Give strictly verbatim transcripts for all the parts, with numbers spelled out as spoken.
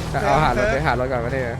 เอาหารถไปหารถก่อนก็ได้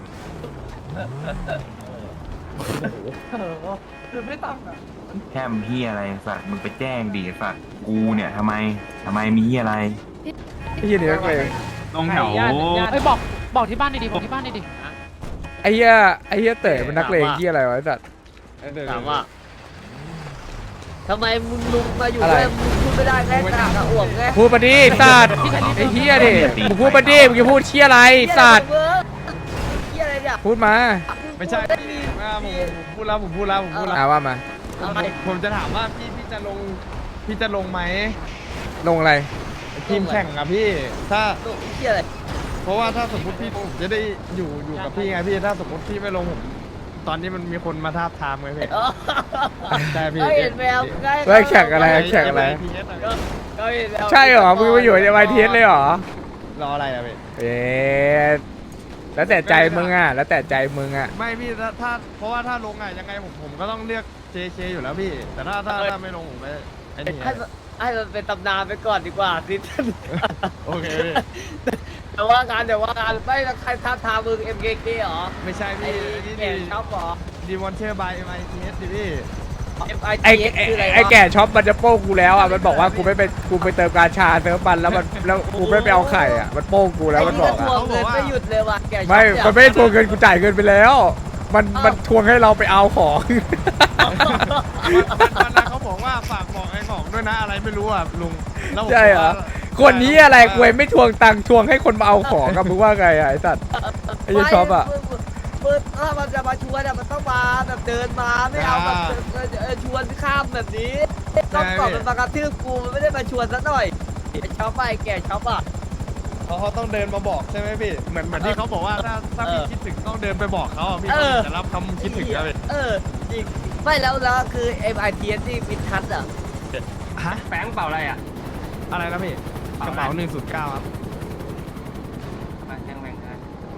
คือไม่ตังค์อ่ะแค่มเฮียอะไรสัตว์มึงไปแจ้งดิสัตว์กูเนี่ยทำไมทำไมมีเฮียอะไรไอ้เหี้ยนี่นักเลงตรงแถวเอ้ยบอกบอกที่บ้านดิบอกที่บ้านดิไอ้เหี้ยไอ้เหี้ยเต๋อมันนักเลงเหี้ยอะไรวะไอ้สัตว์ถามว่าทำไมมึงลุงมาอยู่ด้วยมึงพูดไม่ได้แค่กากระอ่วมไงพูดมาดิสัตว์ไอ้เหี้ยดิมึงพูดมาดิมึงจะพูดเชี่ยอะไรสัตว์เฮียอะไรเนี่ยพูดมาไม่ใช่พี่ว่าผมผมพูดแล้วผมพูดแล้วผมพูดแล้วอ่าว่ามาอะไรผมจะถามว่าพี่พี่จะลงพี่จะลงไหมลงอะไรทีมแข่งอะพี่ ถ้าตัวเฮียอะไรเพราะว่าถ้าสมมติพี่ผมจะได้อยู่อยู่กับพี่ไงพี่ถ้าสมมติพี่ไม่ลงผมตอนนี้มันมีคนมาทาบทามไงพี่ใช่พี่ก็เห็นแววไงเฮ้ยแข่งอะไรแข่งอะไรก็เห็นแววใช่เหรอมึงมาอยู่ในวายทีเอสเลยเหรอรออะไรอะพี่เอ๊ะแล้วแต่ใจมึงอ่ะแล้วแต่ใจมึงอ่ะไม่พี่ถ้าถ้าเพราะว่าถ้าลงอะยังไงผมผมก็ต้องเลือกเจเคอยู่แล้วพี่ แต่ถ้าถ้าถ้าไม่ลงผมไปไอ้นี่ให้มันให้มันเป็นตำนานไปก่อนดีกว่าซิโอเคพี่แต่ว่างานเดี๋ยวว่างานไม่ใครท้าทามมึง เอ็ม เค เค เหรอไม่ใช่ไอ้พี่นี่แก่ชอบเหรอดีวอนเชอร์บายเอ็มไอทีเอสดิพี่เอฟ ไอไอ้ที เอสไอ้คืออะไรวะไอ้แก่ช็อปมันจะโป้งกูแล้วอ่ะมันบอกว่ากูไม่ไปกูไปเติมกาชาเติมปันแล้วมันแล้วกูไม่ไปเอาไข่อ่ะมันโป้งกูแล้วมันบอกไอ้อ่ะนี่ก็ทวงเงินไม่หยุดเลยว่ะแกชอบไม่เนี่ยมันไม่ได้ทวงเงินกูจ่ายเงินไปแล้ว มันมันทวงให้เราไปเอาของวันวันนั้นเขาบอกว่าฝากบอกไอ้ของด้วยนะอะไรไม่รู้อ่ะลุงแล้วผมใช่เหรอว่าคนนี้อะไรกูไม่ทวงตังค์ทวงให้คนมาเอาของกับมึงว่าไงอ่ะไอ้สัตว์ไอ้เหี้ยช็อปอ่ะไม่มึงถ้ามันจะมาชวนอะมันต้องมาแบบเดินมาไม่เอาแบบเออเออชวนข้ามแบบนี้ต้องก่อนมันมากระทืบกูมันไม่ได้มาชวนซะหน่อยไอ้ชอบไปแกชอบอ่ะเพราะเขาต้องเดินมาบอกใช่ไหมพี่เหมือนเหมือนที่เขาบอกว่าถ้าถ้าพี่เออคิดถึงต้องเดินไปบอกเขาอ่ะพี่เออจะรับคำคิดถึงแล้วพี่เออจริงไม่แล้วแล้วคือ เอ็ม ไอ ที เอส ที่มิดทัชอ่ะฮะแฝงเปล่าอะไรอ่ะอะไรนะพี่กระเป๋าหนึ่งศูนย์เก้าครับแฝงแฝง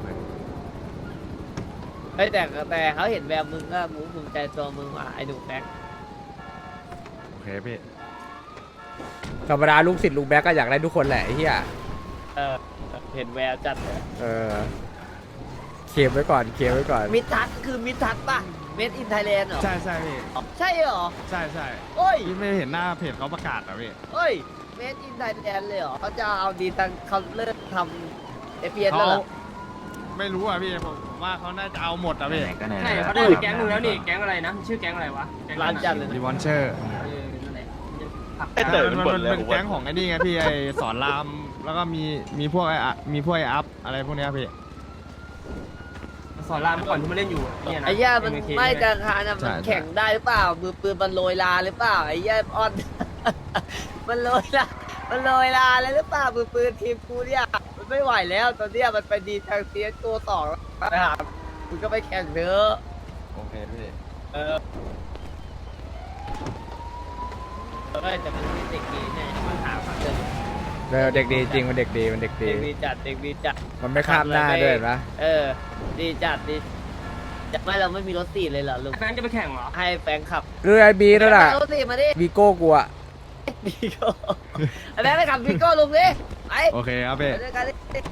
เฮ้ยแต่แต่เขาเห็นแววมึงก็มูภูมิใจตัวมึงว่ะไอ้หนูแบ็คโอเคพี่ธรรมดาลูกศิษย์ลุงแบ็กก็อยากได้ทุกคนแหละไอ้เหี้ยเออเห็นแววจัดเลยเออเคลมไว้ก่อนเคลมไว้ก่อนมิดทัชคือมิดทัชป่ะเมดอินไทยแลนด์เหรอใช่ใช่พี่ใช่เหรอใช่ใช่โอ้ยพี่ไม่เห็นหน้าเพจเขาประกาศเหรอพี่เฮ้ยเมดอินไทยแลนด์เลยเหรอเขาจะเอาดีตังเขาเลิกทำเอพีเอสเขาแล้วเหรอไม่รู้อ่ะพี่ผมผมว่าเขาน่าจะเอาหมดอ่ะพี่ไหนก็ไหนใช่เขาได้แก๊งนึงแล้วนี่แก๊งอะไรนะชื่อแก๊งอะไรวะร้านจัดเลยดีนะวอนเชอร์เออนั่นแหละไอ้เต๋อมันบ่นเลยเป็นแก๊งของไอ้นี่ไงพี่ไอสอนรามแล้วก็มีมีพวกไออะมีพวกไออัพอะไรพวกเนี้ยพี่สอนรามเมื่อก่อนที่มาเล่นอยู่เนี่ยนะไอ้ย่ามันเอ็เคไม่จะคานอะมันใช่ใช่แข่งได้หรือเปล่ามือปืนมันโรยลาหรือเปล่าไอ้ย่าออน มันโรยลามันโรยลาเลยหรือเปล่ามือปืนทีมกูเนี่ยมันไม่ไหวแล้วตอนเนี้ยมันไปดีทางเซียสตัวสองนะครับคุณก็ไปแข่งเถอะโอเคพี่เออเอ้ยแต่มันมีเด็กดีเนี่ยมันถามเดินเออเด็กดีจริงมันเด็กดีมันเด็กดีเด็กดีจัดเด็กดีจัดมันไม่ข้ามหน้าด้วยเห็นปะเออ ดีจัดดีจะไม่เราไม่มีรถสี่เลยเหรอลุงแฟนจะไปแข่งเหรอให้แฟนขับคือไอ้บีนั่นแหละรถสี่มาดิวีโก้กูอะวีโก้ไอ้แม่ไปขับวีโก้ลุงดิไปโอเคครับพี่ไปด้วยกันดิ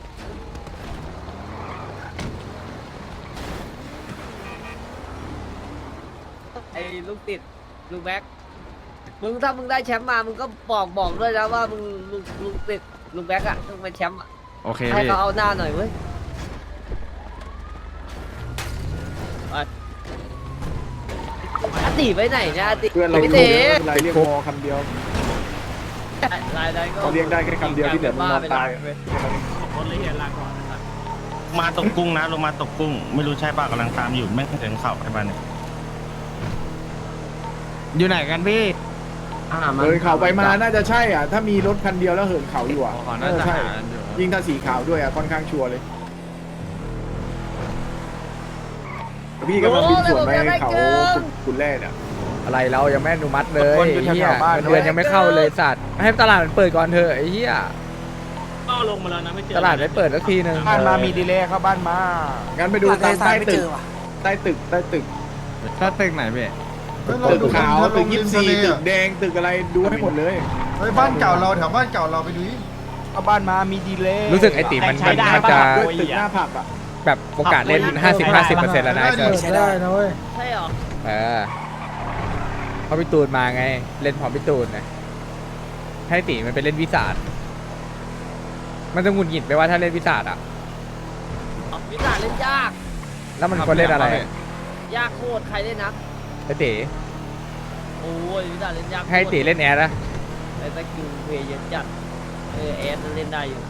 ไอ้ลูกติดลูกแบ็คมึงถ้ามึงได้แชมป์มามึงก็บอกบอกด้วยนะว่ามึงลูกลูกติดลูกแบ็คอะต้องเป็นแชมป์อะโอเคให้พี่เขาเอาหน้าหน่อยเว้ยไปอาติไปไหนเนี่ยอาติเพื่อนเราพี่เรีเต๋ยกอะไรเรียกวอคำเดียวรายได้ก็เขาเรียกได้แค่คำเดียวที่เหลือมันนอนตายมาตกกุ้งนะลงมาตกกุ้ง ไม่รู้ใช่ป่ะกำลังตามอยู่แม่งถึงเข่าไอ้บ้านเนี่ยอยู่ไหนกันพี่เหินเขาไปมาน่าจะใช่อ่ะ ถ้ามีรถคันเดียวแล้วเหินเขาอยู่อ่ะอ๋อน่าน่าจะจะใช่หาอยู่ยิ่งถ้าสีขาวด้วยอ่ะค่อนข้างชัวร์เลยพี่กำลังบินสวนไปเขาขุนแร่เนี่ยอะไรเรายังไม่อนุมัติเลยคนอยู่ไอ้เหี้ยแถวๆบ้านเงินเดือนยังไม่เข้าเลยสัตว์ให้ตลาดมันเปิดก่อนเถอะไอ้เหี้ยก็ลงมาแล้วนะไม่เจอตลาดไม่เปิดสักทีนึงบ้านมามีดีเลย์เข้าบ้านมา งั้นไปดูตามใต้ตึก ใต้ตึก ใต้ตึกถ้าตึกไหนพี่ตึกขาว ตึกยี่สิบสี่ตึกแดง ตึกอะไร ดูให้หมดเลยเฮ้ยบ้านเก่าเราแถวบ้านเก่าเราไปดูดิอเข้าบ้านมามีดีเลยรู้สึกไอติมันมันมันจะด้วยตึกหน้าผับอ่ะแบบโอกาสเล่น ห้าสิบ ห้าสิบเปอร์เซ็นต์ แล้วนะไอ้เซิร์ฟใช้ได้นะเว้ยใช่หรอเออเพราะพี่ตูนมาไง เล่นพร้อมพี่ตูนนะให้ตีมันไปเล่นวิสาดมันจะหงุดหงิดไปว่าถ้าเล่นวิสาดอ่ะวิสาเล่นยากแล้วมันควรเล่นอะไรยากโคตรใครเล่นนะไอตีโอ้ยวิสาเล่นยากให้ตีเล่นแอร์นะไอ้สกิลเพย์เยอะจัดเออแอดเล่นได้อยู่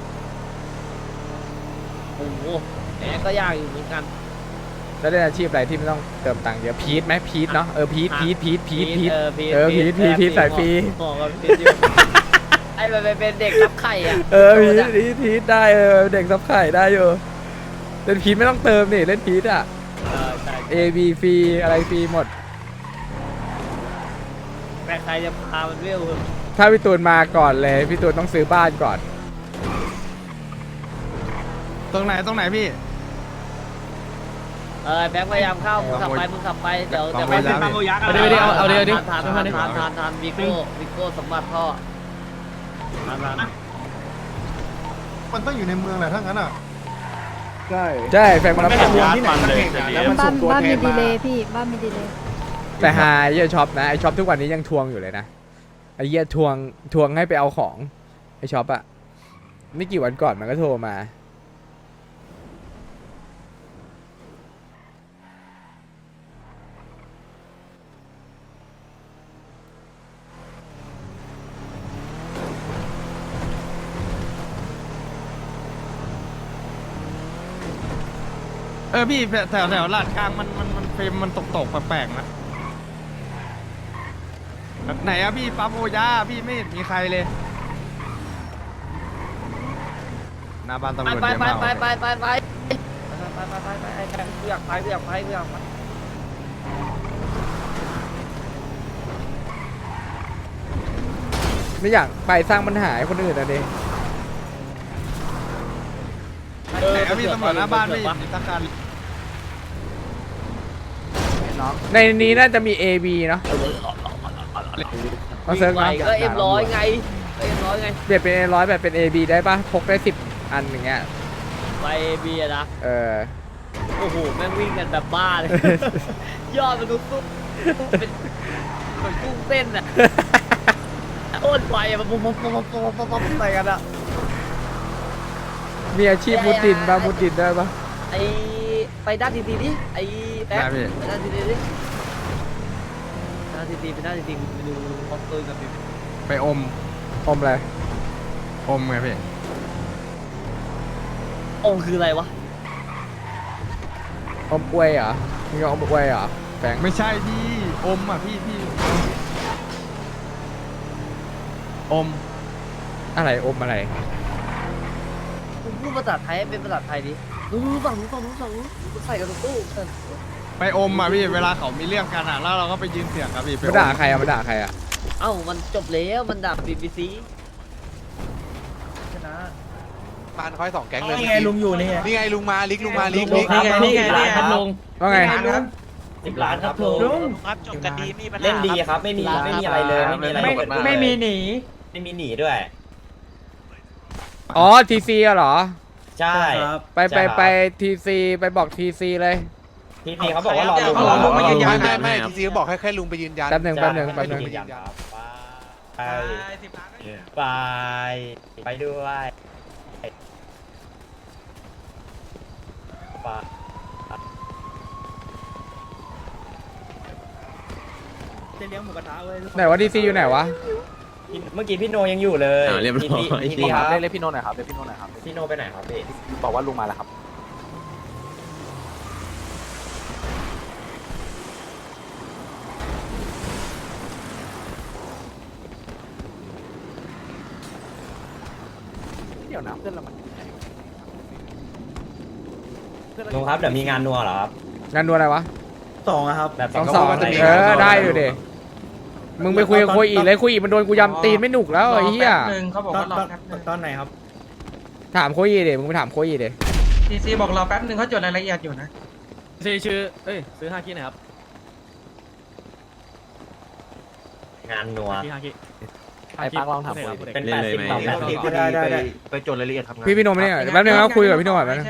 โอ้โหแอดก็ยากอยู่เหมือนกันแล้วเล่นอาชีพอะไรที่ไม่ต้องเติมตังค์เยอะพีทไหมพีทเนาะเออพีทพีทพีทพีทพีทเออพีทเออพีทพีทพีทสายฟรีเหมาะกับพีทอยู่ไอ้มันเป็นเด็กรับไข่อ่ะเออพีทพีทพีทได้เออเด็กซับไข่ได้อยู่เล่นพีทไม่ต้องเติมนี่เล่นพีทอ่ะเออใช่ A B ฟรีอะไรฟรีหมดแต่ใครจะพามันเวลถ้าพี่ตูนมาก่อนเลยพี่ตูนต้องซื้อบ้านก่อนตรงไหนตรงไหนพี่เออแบงค์พยายามเข้ามึงขับไปมึงขับไปเดี๋ยวลองเดี๋ยวไปแล้วตามโอยักษ์เอาดิเอาดิเอาเอาดิเอาดิทานทานทานทานทานวิโก้วิโก้สมบัติพ่อทานทานมันต้องอยู่ในเมืองแหละถ้างั้นอ่ะใช่ใช่แฟนมารับไม่ขได้องทวงที่ไหนสักแห่งอะแล้วมันบ้าส่นงตัวบ้านแทมีนดีมาเลยพี่บ้านมีดีเลยแต่หาไอ้เหี้ยช็อปนะไอช็อปทุกวันนี้ยังทวงอยู่เลยนะไอเหี้ยทวงทวงให้ไปเอาของไอช็อปอะไม่กี่วันก่อนมันก็โทรมาเออพี่แถวแถวลาดกลางมันมันมันเฟรมมันตกตกๆแปลกๆนะไหนอะพี่ปั๊บโอยาพี่ไม่เห็นมีใครเลยหน้าบ้านตำรไปวจไปเยอะไปมากไปไปไปไปไปไปไปไปไอ้แบงค์กูอยากไปกูอยากไปกูอยากไปไม่อยากไปสร้างปัญหาให้คนอื่นอะดิไหนอะพี่ตำรวจหน้าบ้านไม่เห็นมีสักคันในนี้น่าจะมี A B เนาะเอาเซิร์ฟไปเนาะก็เอ็มร้อยไงก็เอ็มร้อยไงเปลี่ยนเป็น A ร้อยแบบเป็น A B ได้ปะพกได้สิบอันอย่างเงี้ยไปเบียนะเออโอ้โหแม่งวิ่งกันแบบบ้าเลยยอดมันดูสู้เป็นเหมือนกุ้งเต้นอ่ะโคตรไวอ่ะมันปุ๊บปุ๊บปุ๊บปุ๊บปุ๊บปุ๊บใส่กันอ่ะมีอาชีพมุดดินปะมุดดินได้ปะไอไปด้านทีทีดิไอแป๊บไปด้านทีทีดิด้านทีทีไปด้านทีทีไปดูคอสตูมกับพี่ไปอมอมอะไรอมไงพี่องค์คืออะไรวะอมอวยเหรอมึงจะอมอวยเหรอแฟงไม่ใช่พี่อมอ่ะพี่พี่อมอะไรอมอะไรคุณพูดภาษาไทยให้เป็นภาษาไทยดิรู้รู้ฝั่งรู้ฝั่งรู้ฝั่งรู้ใส่กันตู้เออไปอมอ่ะพี่เวลาเขามีเรื่องกันอ่ะแล้วเราก็ไปยืนเสียงครับพี่ไปอมาด่าใครอะมาด่าใครอะเอ้ามันจบแล้วมันดับบีบีซีชนะปานคอยสองแก๊งเลยนี่ไงลุงอยู่นี่ไงนี่ไงลุงมาลิกลุงมาลิกลุลิงกครับนี่ไงนี่ไงลุงว่าไงสิบล้านครับลุงครับจบกันดีมีปัญหาเล่นดีครับไม่มีไม่มีอะไรเลยไม่มีอะไรไม่ไม่มีหนีไม่มีหนีด้วยอ๋อทีซีเหรอใช่ไปไปไปทีซีไปบอกทีซีเลยทีพีเขาบอกว่ารอลุงเขาบอกลุงมายืนยันไม่ไม่ไม่ทีซีบอกให้แค่ลุงไปยืนยันแป๊บหนึ่งแป๊บหนึ่งแป๊บหนึ่งไปไปไปด้วยไปจะเลี้ยงหมูกระทะเว้ยไหนวะทีซีอยู่ไหนวะเมื่อกี้พี่โนยังอยู่เลยเรียบร้อยทีพีครับเรียกพี่โนหน่อยครับเรียกพี่โนหน่อยครับพี่โนไปไหนครับพี่บอกว่าลุงมาแล้วครับ เดี๋ยวนะเพื่อนเรามันลุงครับเดี๋ยวมีงานนัวเหรอครับงานดูอะไรวะสองครับแบบสองสองเออได้อยู่ดิมึงไปคุยกับคุยอีกเลยคุยอีกมันโดนกูยำตีนไม่หนุกแล้วไอ้เหี้ยเขาบอกว่ารอแป๊บนึงตอนไหนครับถามคุยอีกดิมึงไปถามคุยอีกดิทีซีบอกรอแป๊บนึงเขาจดรายละเอียดอยู่นะซีชื่อเอ้ยซื้อห้าคิดหน่อยครับงานนัวที่ห้าคิดไอ้ปังลองถามคุยเป็นแปดสิบต่อแปดสิบได้ได้ได้ไปจดรายละเอียดทำงานพี่พี่โนมเนี่ยแป๊บนึงครับคุยกับพี่โนก่อนแป๊บนึง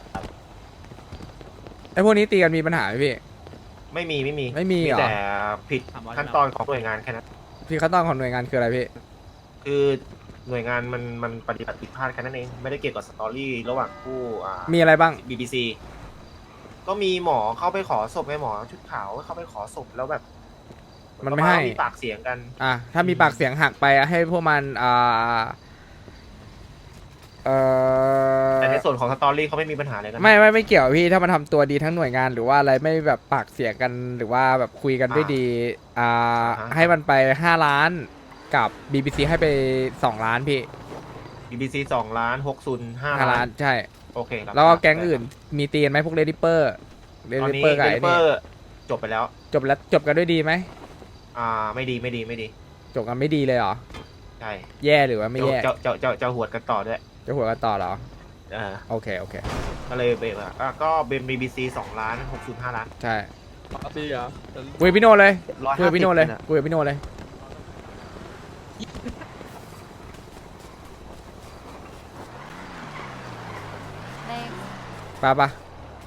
ไอ้พวกนี้ตีกันมีปัญหาไหมพี่ไม่มีไม่มีไม่มีเหรอแต่ผิดขั้นตอนของหน่วยงานแค่นั้นพี่ขั้นตอนของหน่วยงานคืออะไรพี่คือหน่วยงานมันมันปฏิบัติผิดพลาดแค่นั้นเองไม่ได้เกี่ยวกับสตอรี่ระหว่างผู้อ่ามีอะไรบ้างบี บี ซี ก็มีหมอเข้าไปขอศพไงหมอชุดขาวเข้าไปขอศพแล้วแบบมันไม่ให้มีปากเสียงกันอ่ะถ้ามีปากเสียงหักไปอะให้พวกมันอ่าเอ่อแต่ในส่วนของสตอรี่เขาไม่มีปัญหาเลยนะไม่ไม่ไม่เกี่ยวพี่ถ้ามันทำตัวดีทั้งหน่วยงานหรือว่าอะไรไม่แบบปากเสียงกันหรือว่าแบบคุยกันด้วยดีอ่าให้มันไปห้าล้านกับ บี บี ซี ให้ไปสองล้านพี่บี บี ซี สองล้านหกศูนย์ห้าห้าล้าล้าน นใช่โอเคครับแล้วก็แก๊งอื่นมีตีกันไหมพวกเรดิเปอร์เรตอนดินี้เปอร์กับเดไอ้ลิเปอนี่ร์จบไปแล้วจบแล้วจบกันด้วยดีไหมอ่าไม่ดีไม่ดีไม่ดีจบกันไม่ดีเลยเหรอใช่แย่หรือว่าไม่แย่เจ้าเจ้าเจ้าเจ้าหวดกันต่อด้วยจะหัวกันต่อเหรอเออโอเคโอเคก็เลยเบรกอ่ะอ่ะก็เป็นบีบีซีสองล้านหกศูนย์ห้าล้านใช่ดีเหรอคุยกับพี่โนเลยร้อยคุยห้ากับสิพี่โนบเลยคุยกับพี่โนเลยไปปะ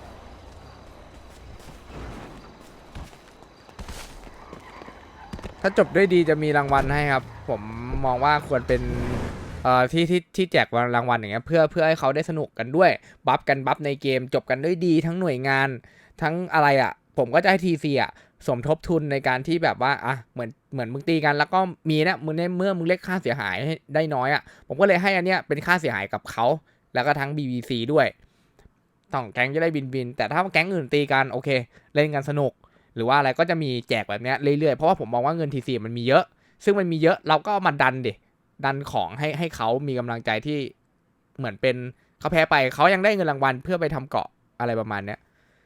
ถ้าจบด้วยดีจะมีรางวัลให้ครับ ผมมองว่าควรเป็นเอ่อที่ที่ที่แจกรางวัลอย่างเงี้ยเพื่อเพื่อให้เขาได้สนุกกันด้วยบัฟกันบัฟในเกมจบกันด้วยดีทั้งหน่วยงานทั้งอะไรอ่ะ ผมก็จะให้ทีซีอ่ะสมทบทุนในการที่แบบว่าอ่ะเหมือนเหมือนมึงตีกันแล้วก็มีนะมึงในเมื่อมึงเรียกค่าเสียหายให้ได้น้อยอ่ะผมก็เลยให้อันเนี้ยเป็นค่าเสียหายกับเขาแล้วก็ทั้ง บี บี ซี ด้วยต้องแก๊งจะได้บินบินแต่ถ้าแก๊งอื่นตีกันโอเคเล่นกันสนุกหรือว่าอะไรก็จะมีแจกแบบเนี้ยเรื่อยๆเพราะว่าผมมองว่าเงินทีซีมันมีเยอะซึ่งมันมีเยอะเราก็เอามาดันดิดันของให้ให้เขามีกำลังใจที่เหมือนเป็นเขาแพ้ไปเขายังได้เงินรางวัลเพื่อไปทำเกาะอะไรประมาณเนี้ย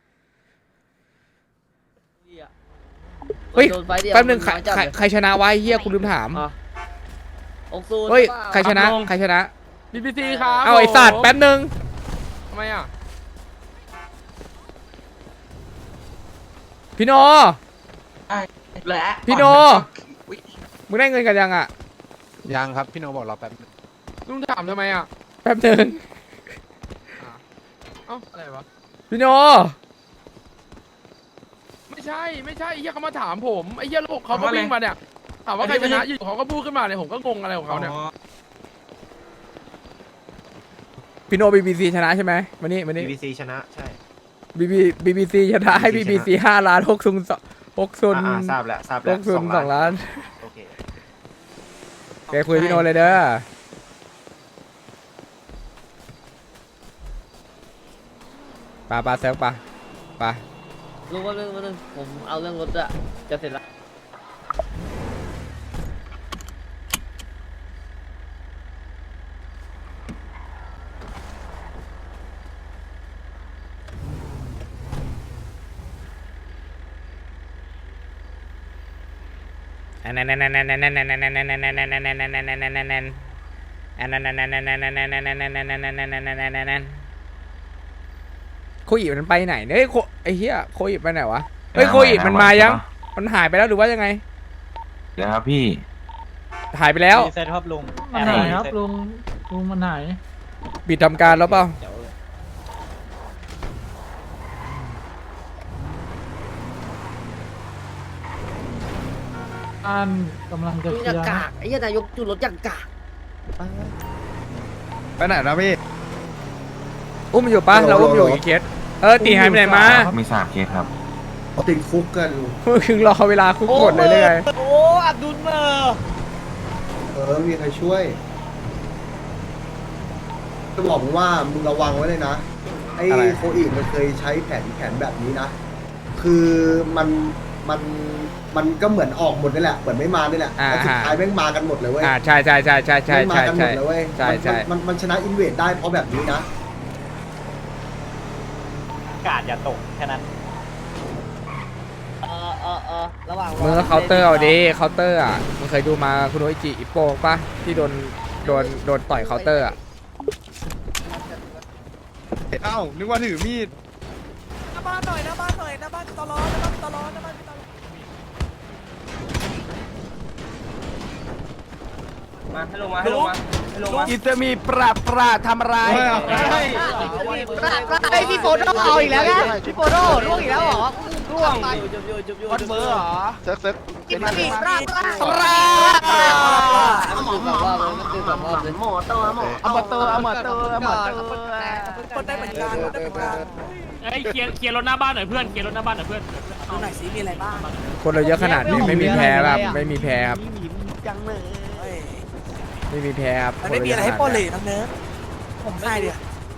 เฮ้ยโดนไฟเดียวแป๊บนึงใครน้อยจัดใครเลยใครชนะวะไอ้เฮียคุณลืมถามอ่ะองซูนเฮ้ยปล่าใครชนะใครชนะบีบีซีครับเอาไอ้สัตว์แป๊บนึงทำไมอ่ะพี่โนพี่โนมึงได้เงินกันยังอ่ะยังครับพี่โนบอกรอแป๊บนึงลุงถามทำไมอ่ะแป๊บนึงเอ้าอะไรวะพี่โนไม่ใช่ไม่ใช่ไอ้เหี้ยเขามาถามผมไอ้เหี้ยลูกเขาก็วิ่งมาเนี่ยถามว่าใครชนะอยู่เขาก็พูดขึ้นมาเนี่ยผมก็งงอะไรของเขาเนี่ยพี่โนบีบีซีชนะใช่ไหมมานี่มาบีนี่บีซีชนะใช่บีบีบีบีซีชนะให้บีบีซีห้าล้านหกซุนหกซุนอ่าอ่าทราบแล้วทราบหแล้วกซุนสองล้านโอเคแกคุยพี่โนเลยเด้อปาปาเซลปาปาลุงว่าเรื่องว่าเรื่องผมเอาเรื่องรถอะจะเสร็จแล้วอันนั้นนั่นนั่นนั่นนั่นนั่นนั่นนั่นนั่นนั่นนั่นนั่นนั่นนั่นนั่นนั่นนั่นนั่นอันนั้นนั่นนั่นนั่นนั่นนั่นนั่นนั่นนั่นนั่นนั่นนั่นนั่นโคอิมันไปไหนเนี่ยโคไอ้เหี้ยโคอิไปไหนวะเฮ้ยโคอิมันมายังมันหายไปแล้วหรือว่ายังไงเดี๋ยวครับพี่หายไปแล้วเซตครับลุงมันหายครับลุงลุงมันหายปิดทำการแล้วเปล่าอันกำลังจะลุงเคอลีย่ายร์กากไอ้เหี้ยนายกจุดรถอย่างกากไปไหนนะพี่อุ้มอยู่ปะเราอุ้มอยู่อีกเคสเออตีหายไปไหนมามีสามเคสครับติดคุกกันมึงรอเวลาคุกกดเลยเลยไงโอ้อับดุลเมอร์เออมีใครช่วยจะบอกมึงว่ามึงระวังไว้เลยนะไอ้โคอีมันเคยใช้แผนแผนแบบนี้นะ คือมันมันมันก็เหมือนออกหมดนี่แหละเหมือนไม่มานี่แหละแต่สุดท้ายแม่งมากันหมดเลยเว้ยอ่าใช่ใช่ใช่ใช่ใช่แม่งมาใช่กันหมใช่ดเลยเว้ยใช่ใช่มันมันมันชนะอินเวดได้เพราะแบบนี้นะกาดอย่าตกแค่นั้นเออเออเออระหว่างมึงก็เคาน์เตอร์เอาดิเคาน์เตอร์อ่ะมึงเคยดูมาคุณโออิจิอิปโปปะที่โดนโดนโดนต่อยเคาน์เตอร์อ่ะเอ้านึกว่าถือมีดหน้าบ้านหน่อยหน้าบ้านหน่อยหน้าบ้านตลอดหน้าบ้านตลอดหน้าบ้านตลอดมาให้ลงมาให้ลงมาให้ลงมาอิตามีปราบปราทำอะไรไอพี่โฟโต้เอาอีกแล้วไงพี่โฟโต้ร่วงอีกแล้วเหรอร่วงจุบอยู่จุบอยู่วัดเบอร์เหรอเซิร์ฟเซิร์ฟกินมีปลาปลาปราหมอหมอหมอตัวหมอเอามาเตอร์เอามาเตอร์เอามาเตอร์คนได้เหมือนกันคนได้เหมือนกันเอ้ยเคลียร์เคลียร์รถหน้าบ้านหน่อยเพื่อนเคลียร์รถหน้าบ้านหน่อยเพื่อนดูหน่อยสิมีอะไรบ้างคนเราเยอะขนาดนี้ไม่มีแพ้ครับไม่มีแพ้ครับจังเลยเฮ้ยไม่มีแพ้ครับมันไม่มีอะไรให้ปล้นเลยน้องเนิร์ดผมใช่เดียว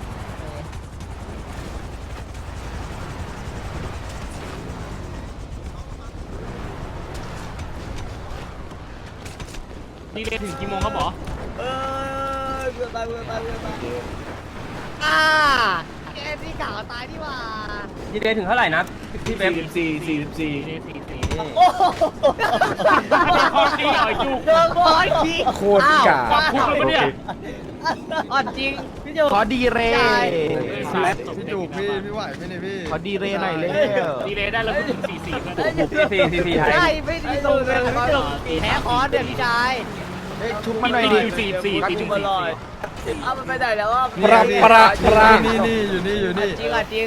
นี่เรียนถึงกี่โมงครับหมอเออเบื่อตายเบื่อตายเบื่อตายอ่าแกที่กล่าวตายที่ว่านี่เรียนถึงเท่าไหร่นะพี่เบมสี่สี่สิบสี่โอ้โหคอขี้อ่อยจุกโดนบอยทีโคตรกาความพูดเลยเนี่ยอ่อนจริงพี่โจขอดีเรพี่จูบพี่พี่ไหวไหมเนี่ยพี่ขอดีเรหน่อยเร็วดีเลยได้แล้วเพิ่งสี่สี่เพื่อนสี่สี่สี่ใช่ไม่ดีตรงเลยพี่โจแพ้คอนเดี๋ยวพี่ชายชุบมาหน่อยดิสี่สี่สี่สี่มาลอยเอามันไปไหนแล้วอ่ะปราปราปรานี่นี่อยู่นี่อยู่นี่จริงอ่ะจริง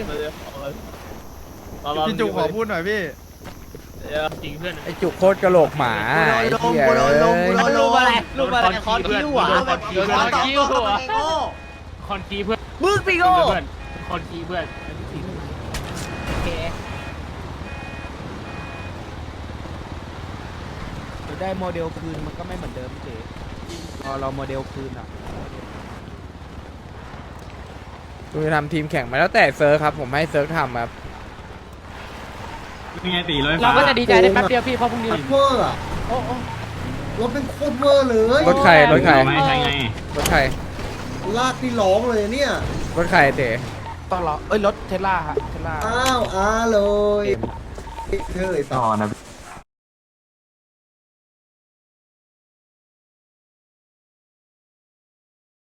พี่จูขอพูดหน่อยพี่จริงเพื่อนไอจุกโคตรกระโหลกหมาไอ้เหี้ยเอ้ยรูปอะไรรูปอะไรคอนคิวอ่ะคอนคิวคอนคิวคอนคิวเพื่อนมึงปีโก้เพื่อนคอนคิวเพื่อนโอเคได้โมเดลคืนมันก็ไม่เหมือนเดิมเจ๊พอเราโมเดลคืนอ่ะกูจะทำทีมแข่งมาแล้วแต่เซิร์ฟครับผมให้เซิร์ฟทำครับเราก็จะดีใจได้แป๊บเดียวพี่เพราะพรุ่งนี้เวอร์อะรถเป็นโคตรเวอร์เลยรถใครรถใครรถใครลากที่ร้องเลยเนี่ยรถใครเต๋ต้องรอเอ้ยรถเทสลาฮะเทสลาอ้าวอ้าเลยเธอไอ้ต่ต่ออนะ